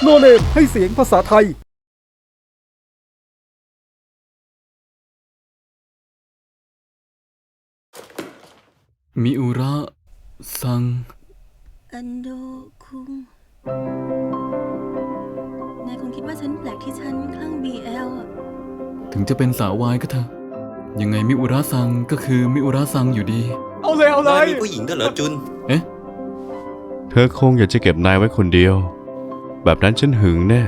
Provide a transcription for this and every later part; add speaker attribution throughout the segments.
Speaker 1: โนเนมให้เสียงภาษาไทย
Speaker 2: มิอุระซัง
Speaker 3: อันโดคุงนายคงคิดว่าฉันแปลกที่ฉันคลั่ง BL อะ
Speaker 2: ถึงจะเป็นสาววายก็เถอะยังไงมิอุระซังก็คือมิอุระซังอยู่ดี
Speaker 1: เอาเลยเอาเล
Speaker 4: นาย
Speaker 1: ย
Speaker 4: มีผู้หญิงด้วยเหรอจุน
Speaker 2: เอ๊ะ
Speaker 5: เธอคงอยากจะเก็บนายไว้คนเดียว แบบนั้นฉันหึงแน่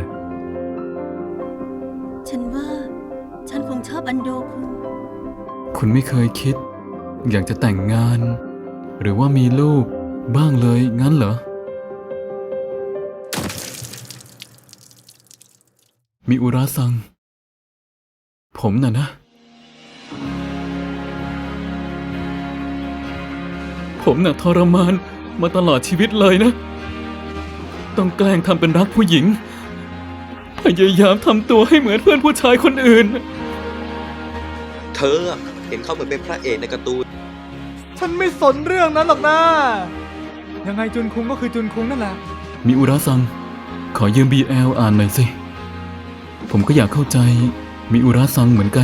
Speaker 3: ฉันว่าฉันคงชอบอันโดคุง
Speaker 2: คุณไม่เคยคิด อยากจะแต่งงาน หรือว่ามีลูกบ้างเลยงั้นเหรอมิอุระซังผมน่ะนะ ผมน่ะทรมานมาตลอดชีวิตเลยนะ ต้องแกล้งทำเป็นรักผู้หญิง พยายามทำตัวให้เหมือนเพื่อนผู้ชายคนอื่น
Speaker 4: เธอเห็นเขาเหมือนเป็นพระเอกในการ์ตูน
Speaker 1: ฉันไม่สนเรื่องนั้นหรอกนะยังไงจุนคุงก็คือจุนคุงนั่นแหละ
Speaker 2: มิอุระซังขอยืม BL อ่านหน่อยสิ ผมก็อยากเข้าใจมิอุระซังเหมือนกัน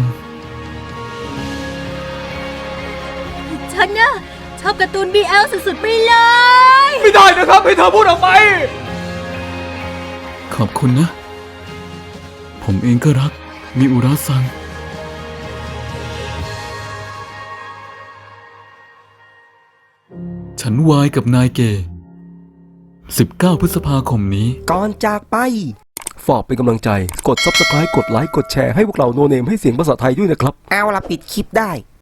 Speaker 3: ฉันน่ะชอบการ์ตูน BL สุดๆไปเลย
Speaker 1: ไม่ได้นะครับให้เธอพูดออกไป
Speaker 2: ขอบคุณนะ ผมเองก็รักมิอุระซัง ฉันวายกับนายเกย์19 พฤษภาคมนี้
Speaker 6: ก่อนจากไป
Speaker 1: ฝากเป็นกำลังใจกด Subscribe กดไลค์กดแชร์ให้พวกเราโนเนมให้เสียงภาษาไทยด้วยนะครับ
Speaker 6: เอาละปิดคลิปได้